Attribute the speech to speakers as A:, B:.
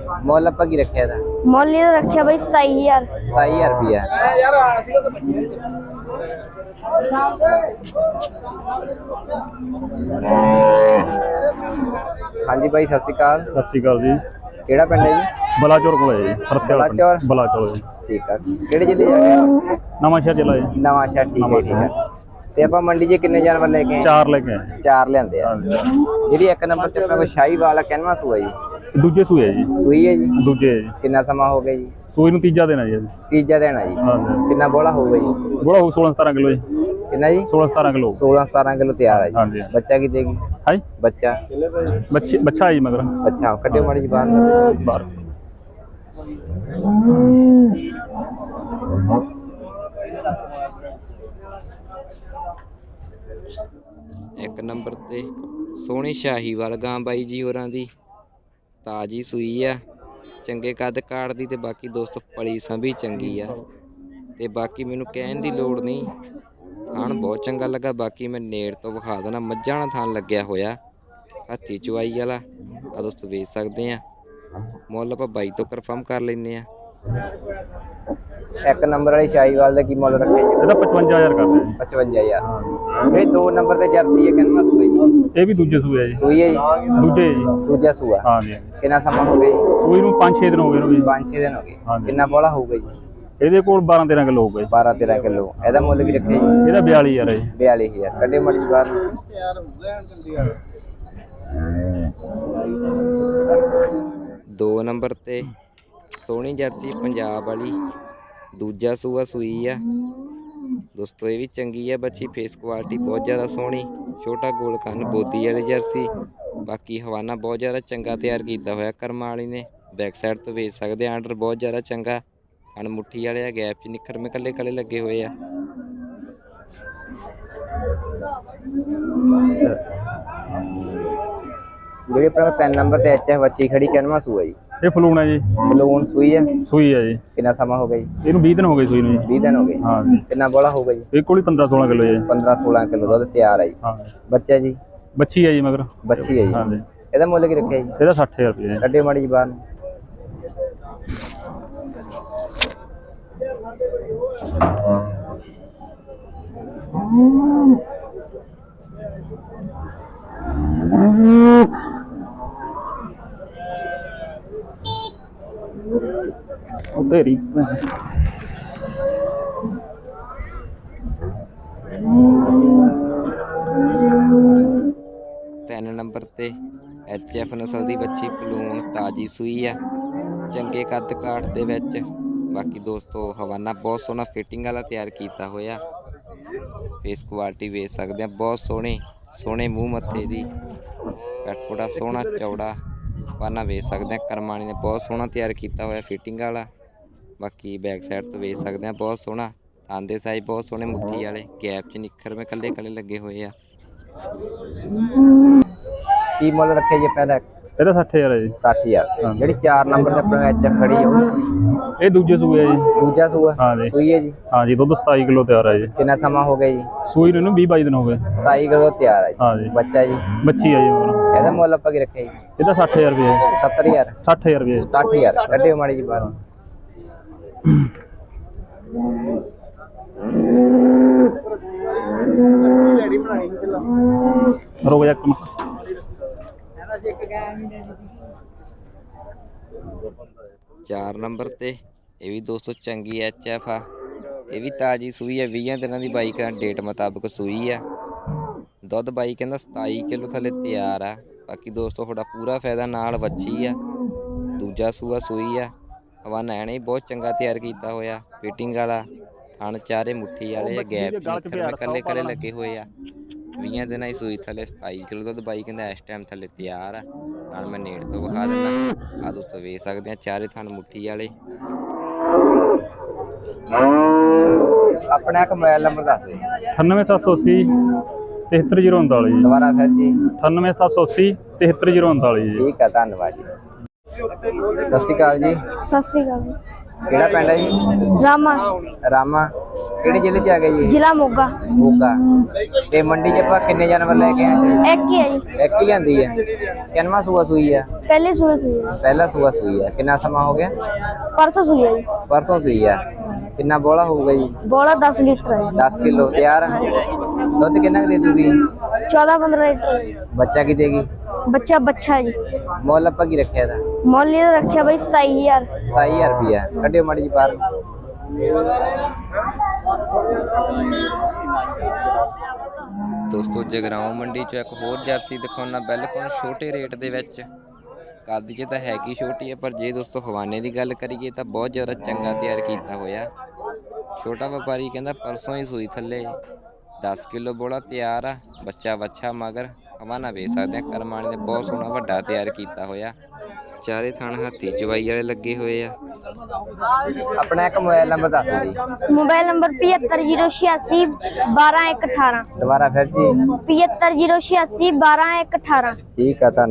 A: ਮੁੱਲ ਆਪਾਂ ਕੀ ਰੱਖਿਆ ਇਹਦਾ?
B: ਮੁੱਲ ਇਹਦਾ ਰੱਖਿਆ ਬਈ 27000।
A: 27000 ਰੁਪਇਆ। ਹਾਂਜੀ ਬਾਈ ਸਤਿ ਸ਼੍ਰੀ ਅਕਾਲ।
C: ਸਤਿ ਸ਼੍ਰੀ ਅਕਾਲ ਜੀ।
A: ਕਿਹੜਾ ਪਿੰਡ ਹੈ ਜੀ?
C: ਬਲਾਚੌਰ ਕੋਲ ਹੈ ਜੀ।
A: ਬਲਾਚੌਰ।
C: ਬਲਾਚੌਰ ਜੀ।
A: ਠੀਕ ਆ। ਕਿਹੜੇ ਜ਼ਿਲ੍ਹੇ ਜਾ ਕੇ?
C: ਨਵਾਂ ਸ਼ਹਿਰ ਜ਼ਿਲ੍ਹਾ ਜੀ।
A: ਨਵਾਂ ਸ਼ਹਿਰ। ਠੀਕ ਹੈ ਠੀਕ ਹੈ। ਤੇ ਆਪਾਂ ਮੰਡੀ 'ਚ ਕਿੰਨੇ ਜਾਨਵਰ ਲੈ ਕੇ ਆਏ?
C: 4 ਲੈ ਕੇ ਆਏ।
A: 4 ਲਿਆਂਦੇ ਆ। ਜਿਹੜੀ ਇੱਕ ਨੰਬਰ ਤੇ ਆਪਣਾ ਕੋਈ ਸ਼ਾਹੀਵਾਲ ਆ, ਕਿੰਨਵਾਂ ਸੂਆ ਜੀ?
C: ਦੂਜੇ ਸੂਏ ਹੈ ਜੀ।
A: ਸੂਈ ਹੈ ਜੀ?
C: ਦੂਜੇ ਹੈ ਜੀ।
A: ਕਿੰਨਾ ਸਮਾਂ ਹੋ ਗਿਆ ਜੀ?
C: ਸੂਈ ਨੂੰ ਤੀਜਾ ਦੇਣਾ ਜੀ।
A: ਤੀਜਾ ਦੇਣਾ ਜੀ।
C: ਹਾਂਜੀ।
A: ਕਿੰਨਾ ਬੋਲਾ ਹੋਊਗਾ ਜੀ?
C: ਬੋਲਾ ਹੋਊ 16-17 ਕਿਲੋ ਜੀ।
A: ਕਿੰਨਾ ਜੀ?
C: 16-17 ਕਿਲੋ।
A: 16-17 ਕਿਲੋ ਤਿਆਰ ਹੈ ਜੀ।
C: ਹਾਂਜੀ।
A: ਬੱਚਾ ਕੀ ਦੇਗੀ?
C: ਹਾਂ ਜੀ।
A: ਬੱਚਾ
C: ਬੱਚਾ ਹੈ ਜੀ ਮਗਰ।
A: ਅੱਛਾ, ਕੱਢਿਓ ਮਾੜੀ ਜੀ ਬਾਹਰ।
C: ਬਾਹਰ
D: ਇੱਕ ਨੰਬਰ ਤੇ ਸੋਹਣੀ ਸ਼ਾਹੀਵਾਲ ਗਾਂ ਬਾਈ ਜੀ ਹੋਰਾਂ ਦੀ, ਤਾਜੀ ਸੂਈ ਆ, ਚੰਗੇ ਕੱਦ ਕਾੜ ਦੀ। ਤੇ ਬਾਕੀ ਦੋਸਤੋ ਪਲੀ ਸੰਭੀ ਚੰਗੀ ਆ। ਤੇ ਬਾਕੀ ਮੈਨੂੰ ਕਹਿਣ ਦੀ ਲੋੜ ਨਹੀਂ, ਥਣ ਬਹੁਤ ਚੰਗਾ ਲੱਗਾ। ਬਾਕੀ ਮੈਂ ਨੇੜ ਤੋਂ ਵਿਖਾ ਦੇਣਾ। ਮੱਝਾਂ ਵਾਲਾ ਥਣ ਲੱਗਿਆ ਹੋਇਆ, ਹੱਥੀ ਚਵਾਈ ਵਾਲਾ ਆ ਦੋਸਤੋ, ਵੇਚ ਸਕਦੇ ਆ। ਮੁੱਲ ਆਪਾਂ ਬਾਈ ਤੋਂ ਕਨਫਰਮ ਕਰ ਲੈਂਦੇ ਆ।
A: ਇੱਕ ਨੰਬਰ ਵਾਲੀ ਸ਼ਾਹੀਵਾਲ ਦਾ ਕੀ ਮੁੱਲ ਰੱਖਿਆ ਜੀ?
C: ਇਹਦਾ 55000 ਕਰਦੇ ਜੀ।
A: 55000। ਜਿਹੜੀ 2 ਨੰਬਰ ਤੇ ਜਰਸੀ ਹੈ, ਕਿੰਨਵਾਂ ਸੂਆ ਜੀ?
C: ਇਹ ਵੀ ਦੂਜੇ ਸੂਏ ਹੈ ਜੀ।
A: ਸੂਈ ਹੈ ਜੀ?
C: ਦੂਜੇ ਹੈ ਜੀ।
A: ਦੂਜਾ ਸੂਆ।
C: ਹਾਂਜੀ।
A: ਕਿੰਨਾ ਸਮਾਂ ਹੋ ਗਿਆ ਜੀ?
C: ਸੂਈ ਨੂੰ 5-6 ਦਿਨ ਹੋ ਗਏ ਨੇ।
A: 5-6 ਦਿਨ ਹੋ ਗਏ। ਕਿੰਨਾ ਬੋਲਾ ਹੋਊਗਾ ਜੀ?
C: ਇਹਦੇ ਕੋਲ 12-13 ਕਿਲੋ ਹੋਊਗਾ ਜੀ।
A: 12-13 ਕਿਲੋ। ਇਹਦਾ ਮੁੱਲ ਕੀ ਰੱਖਿਆ ਜੀ?
C: ਇਹਦਾ 42000 ਹੈ ਜੀ।
A: 42000। ਕੱਢੇ ਮੜੀ ਬਾਹਰ।
D: 2 ਨੰਬਰ ਤੇ ਸੋਹਣੀ ਜਰਸੀ ਪੰਜਾਬ ਵਾਲੀ, ਦੂਜਾ ਸੂਆ ਸੂਈ ਆ ਦੋਸਤੋ। ਇਹ ਵੀ ਚੰਗੀ ਆ ਬੱਚੀ, ਫੇਸ ਕੁਆਲਿਟੀ ਬਹੁਤ ਜ਼ਿਆਦਾ ਸੋਹਣੀ, ਛੋਟਾ ਗੋਲ ਕੰਨ, ਬੋਦੀ ਵਾਲੀ ਜਰਸੀ। ਬਾਕੀ ਹਵਾਨਾ ਬਹੁਤ ਜ਼ਿਆਦਾ ਚੰਗਾ ਤਿਆਰ ਕੀਤਾ ਹੋਇਆ ਕਰਮਾਂ ਵਾਲੀ ਨੇ। ਬੈਕ ਸਾਈਡ ਤੋਂ ਵੇਚ ਸਕਦੇ ਆ। ਆਰਡਰ ਬਹੁਤ ਜ਼ਿਆਦਾ ਚੰਗਾ, ਕਣ ਮੁੱਠੀ ਵਾਲੇ ਆ, ਗੈਪ 'ਚ ਨਿੱਖਰਵੇਂ ਕੱਲੇ ਕੱਲੇ ਲੱਗੇ ਹੋਏ ਆ।
A: ਜਿਹੜੀ ਆਪਣਾ 3 ਨੰਬਰ ਤੇ ਐਚਐਫ ਬੱਚੀ ਖੜੀ, ਕਿੰਨਵਾਂ ਸੂਆ ਜੀ?
C: ਇਹ ਫਲੂਣ ਹੈ ਜੀ।
A: ਬਲੂਨ ਸੂਈ ਹੈ?
C: ਸੂਈ ਹੈ ਜੀ।
A: ਕਿੰਨਾ ਸਮਾਂ ਹੋ ਗਿਆ ਜੀ?
C: ਇਹਨੂੰ 20 ਦਿਨ ਹੋ ਗਏ ਸੂਈ ਨੂੰ ਜੀ।
A: 20 ਦਿਨ ਹੋ ਗਏ।
C: ਹਾਂ।
A: ਕਿੰਨਾ ਬੋਲਾ ਹੋਊਗਾ ਜੀ?
C: ਇਹ ਕੋਲ ਹੀ 15-16 ਕਿਲੋ ਜੀ।
A: 15-16 ਕਿਲੋ ਦੁੱਧ ਤਿਆਰ ਹੈ ਜੀ।
C: ਹਾਂ।
A: ਬੱਚਾ ਜੀ?
C: ਬੱਚੀ ਹੈ ਜੀ ਮਗਰ।
A: ਬੱਚੀ ਹੈ ਜੀ।
C: ਹਾਂਜੀ।
A: ਇਹਦਾ ਮੁੱਲ ਕੀ ਰੱਖਿਆ ਜੀ?
C: ਇਹਦਾ 60000 ਰੁਪਏ ਹੈ।
A: ਕੱਢੇ ਮਾੜੀ ਜੀ ਬਾਹਰ।
C: ਤੇਰੀ
D: 3 ਨੰਬਰ ਤੇ ਐਚਐਫ ਨਸਲ ਦੀ ਬੱਚੀ, ਪਲੂਣ, ਤਾਜੀ ਸੂਈ ਆ, ਚੰਗੇ ਕੱਦ ਕਾਠ ਦੇ ਵਿੱਚ। ਬਾਕੀ ਦੋਸਤੋ ਹਵਾਨਾ ਬਹੁਤ ਸੋਹਣਾ ਫਿਟਿੰਗ ਵਾਲਾ ਤਿਆਰ ਕੀਤਾ ਹੋਇਆ। ਫੇਸ ਕੁਆਲਿਟੀ ਵੇਚ ਸਕਦੇ ਆ, ਬਹੁਤ ਸੋਹਣੇ ਮੂੰਹ ਮੱਥੇ ਦੀ, ਪੈਟਪੋੜਾ ਸੋਹਣਾ ਚੌੜਾ ਹਵਾਨਾ ਵੇਚ ਸਕਦੇ ਆ। ਕਰਮਾਣੀ ਨੇ ਬਹੁਤ ਸੋਹਣਾ ਤਿਆਰ ਕੀਤਾ ਹੋਇਆ ਫਿਟਿੰਗ ਵਾਲਾ। ਬਾਕੀ ਬੈਕ ਸਾਈਡ ਤੋਂ ਵੇਚ ਸਕਦੇ ਆ, ਬਹੁਤ ਸੋਹਣਾ। ਆਂਦੇ ਸਾਈਜ਼ ਬਹੁਤ ਸੋਹਣੇ, ਮੁੱਠੀ ਵਾਲੇ, ਗੈਪ 'ਚ ਨਿੱਖਰਵੇਂ ਕੱਲੇ ਕੱਲੇ ਲੱਗੇ ਹੋਏ ਆ।
A: ਕੀ ਮੁੱਲ ਰੱਖਿਆ ਜੀ ਪਹਿਲਾਂ?
C: ਇਹਦਾ 60000 ਹੈ ਜੀ।
A: 60000। ਜਿਹੜੀ 4 ਨੰਬਰ ਤੇ ਆਪਣਾ ਐਚਐਫ ਖੜੀ ਹੈ,
C: ਇਹ ਦੂਜੇ ਸੂਏ ਹੈ ਜੀ।
A: ਦੂਜਾ ਸੂਆ?
C: ਹਾਂ ਜੀ।
A: ਸੂਈ ਹੈ ਜੀ?
C: ਹਾਂ ਜੀ। ਦੁੱਧ 27 ਕਿਲੋ ਤਿਆਰ ਹੈ ਜੀ।
A: ਕਿੰਨਾ ਸਮਾਂ ਹੋ ਗਿਆ ਜੀ?
C: ਸੂਈ ਨੂੰ 20-22 ਦਿਨ ਹੋ ਗਏ।
A: 27 ਕਿਲੋ ਤਿਆਰ ਹੈ ਜੀ।
C: ਹਾਂ ਜੀ।
A: ਬੱਚਾ ਜੀ?
C: ਬੱਚੀ ਹੈ ਜੀ ਮਗਰ।
A: ਇਹਦਾ ਮੁੱਲ ਆਪਾਂ ਕੀ ਰੱਖਿਆ ਜੀ?
C: ਇਹਦਾ 60000 ਰੁਪਏ ਹੈ।
A: 70000?
C: 60000 ਰੁਪਏ।
A: 60000। ਕੱਢਿਓ ਮਾੜੀ ਜੀ ਬਾਹਰ।
C: ਰੁਕ ਜਾ।
D: 4 ਨੰਬਰ ਤੇ ਇਹ ਵੀ ਦੋਸਤੋ ਚੰਗੀ ਐਚਐਫ ਆ। ਇਹ ਵੀ ਤਾਜੀ ਸੂਈ ਆ, 20 ਦਿਨਾਂ ਦੀ ਬਾਈ ਕਹਿੰਦਾ ਡੇਟ ਮੁਤਾਬਕ ਸੂਈ ਆ। ਦੁੱਧ ਬਾਈ ਕਹਿੰਦਾ 27 ਕਿਲੋ ਥੱਲੇ ਤਿਆਰ ਆ। ਬਾਕੀ ਦੋਸਤੋ ਤੁਹਾਡਾ ਪੂਰਾ ਫਾਇਦਾ, ਨਾਲ ਵੱਛੀ ਆ, ਦੂਜਾ ਸੂਆ ਸੂਈ ਆ। ਹਵਾਨਾ ਐਣੇ ਬਹੁਤ ਚੰਗਾ ਤਿਆਰ ਕੀਤਾ ਹੋਇਆ, ਫਿਟਿੰਗ ਵਾਲਾ। ਥਣ ਚਾਰੇ ਮੁੱਠੀ ਵਾਲੇ ਆ, ਗੈਪ 'ਚ ਕੱਲੇ ਕੱਲੇ ਲੱਗੇ ਹੋਏ ਆ। 20 ਦਿਨਾਂ ਦੀ ਸੂਈ ਥੱਲੇ 27 ਕਿਲੋ ਦੁੱਧ ਬਾਈ ਕਹਿੰਦਾ ਇਸ ਟਾਈਮ ਥੱਲੇ ਤਿਆਰ ਆ। ਨਾਲ ਮੈਂ ਨੇੜ ਤੋਂ ਵਿਖਾ ਦਿੰਦਾ। ਆ ਦੋਸਤੋ ਵੇਚ ਸਕਦੇ ਆ, ਚਾਰੇ ਥਣ ਮੁੱਠੀ ਵਾਲੇ।
A: ਆਪਣਾ ਇੱਕ ਮੋਬਾਈਲ ਨੰਬਰ ਦੱਸ ਦਿਓ।
C: 98780 73039 ਜੀ।
A: ਦੁਬਾਰਾ ਫਿਰ ਜੀ।
C: 98780 73039 ਜੀ।
A: ਠੀਕ ਆ, ਧੰਨਵਾਦ ਜੀ। ਸਤਿ ਸ਼੍ਰੀ ਅਕਾਲ ਜੀ।
B: ਸਤਿ ਸ੍ਰੀ ਅਕਾਲ।
A: ਕਿਹੜਾ ਪਿੰਡ ਹੈ ਜੀ?
B: ਰਾਮਾ।
A: ਰਾਮਾ। ਕਿਹੜੇ ਜ਼ਿਲ੍ਹੇ 'ਚ ਆ ਗਿਆ ਜੀ ਇਹ?
B: ਜ਼ਿਲ੍ਹਾ ਮੋਗਾ।
A: ਮੋਗਾ। ਤੇ ਮੰਡੀ 'ਚ ਆਪਾਂ ਕਿੰਨੇ ਜਾਨਵਰ ਲੈ ਕੇ ਆਏ ਜੀ?
B: ਇੱਕ ਹੀ ਹੈ ਜੀ।
A: ਇੱਕ ਹੀ ਜਾਂਦੀ ਹੈ। ਕਿੰਨਵਾਂ ਸੂਆ ਸੂਈ ਆ?
B: ਪਹਿਲੇ ਸੂਏ ਸੂਈ ਹੈ।
A: ਪਹਿਲਾ ਸੂਆ ਸੂਈ ਆ। ਕਿੰਨਾ ਸਮਾਂ ਹੋ ਗਿਆ?
B: ਪਰਸੋਂ ਸੂਈ ਹੈ ਜੀ।
A: ਪਰਸੋਂ ਸੂਈ ਆ। ਕਿੰਨਾ ਬੋਲਾ ਹੋਊਗਾ ਜੀ?
B: ਬੋਲਾ 10 ਲੀਟਰ ਹੈ।
A: 10 ਕਿਲੋ ਤਿਆਰ ਆ। ਦੁੱਧ ਕਿੰਨਾ ਕੁ ਦੇ ਦੂਗੀ?
B: 14-15 ਲੀਟਰ।
A: ਬੱਚਾ ਕੀ ਦੇਗੀ?
B: ਬੱਚਾ ਹੈ ਜੀ।
A: ਮੁੱਲ ਆਪਾਂ ਕੀ ਰੱਖਿਆ ਇਹਦਾ?
B: ਮੁੱਲ ਇਹਦਾ ਰੱਖਿਆ ਬਈ 27000।
A: 27000 ਰੁਪਿਆ। ਕੱਢਿਓ ਮਾੜੀ ਜੀ ਬਾਹਰ।
D: ਦੋਸਤੋ ਜਗਰਾਉਂ ਮੰਡੀ ਚੋਂ ਇੱਕ ਹੋਰ ਜਰਸੀ ਦਿਖਾਉਣਾ ਬਿਲਕੁਲ ਛੋਟੇ ਰੇਟ ਦੇ ਵਿੱਚ। ਕੱਦ 'ਚ ਤਾਂ ਹੈ ਕੀ ਛੋਟੀ ਹੈ, ਪਰ ਜੇ ਦੋਸਤੋ ਹਵਾਨੇ ਦੀ ਗੱਲ ਕਰੀਏ ਤਾਂ ਬਹੁਤ ਜ਼ਿਆਦਾ ਚੰਗਾ ਤਿਆਰ ਕੀਤਾ ਹੋਇਆ। ਛੋਟਾ ਵਪਾਰੀ ਕਹਿੰਦਾ ਪਰਸੋਂ ਹੀ ਸੂਈ ਥੱਲੇ 10 ਕਿਲੋ ਬੋਲਾ ਤਿਆਰ ਆ। ਬੱਚਾ ਵੱਛਾ ਮਗਰ ਹਵਾਨਾ ਵੇਚ ਸਕਦੇ ਆ। ਕਰਮਾਣੀ ਨੇ ਬਹੁਤ ਸੋਹਣਾ ਵੱਡਾ ਤਿਆਰ ਕੀਤਾ ਹੋਇਆ। ਚਾਰੇ ਥਣ ਹੱਥੀ ਚਵਾਈ ਵਾਲੇ ਲੱਗੇ ਹੋਏ ਆ।
A: ਆਪਣਾ ਇੱਕ ਮੋਬਾਈਲ ਨੰਬਰ ਦੱਸ ਦਿਓ ਜੀ।
B: Mobile number 7508 12118।
A: ਦੁਬਾਰਾ ਫਿਰ ਜੀ।
B: 7508 12118।
A: ਠੀਕ ਆ। ਧੰਨਵਾਦ।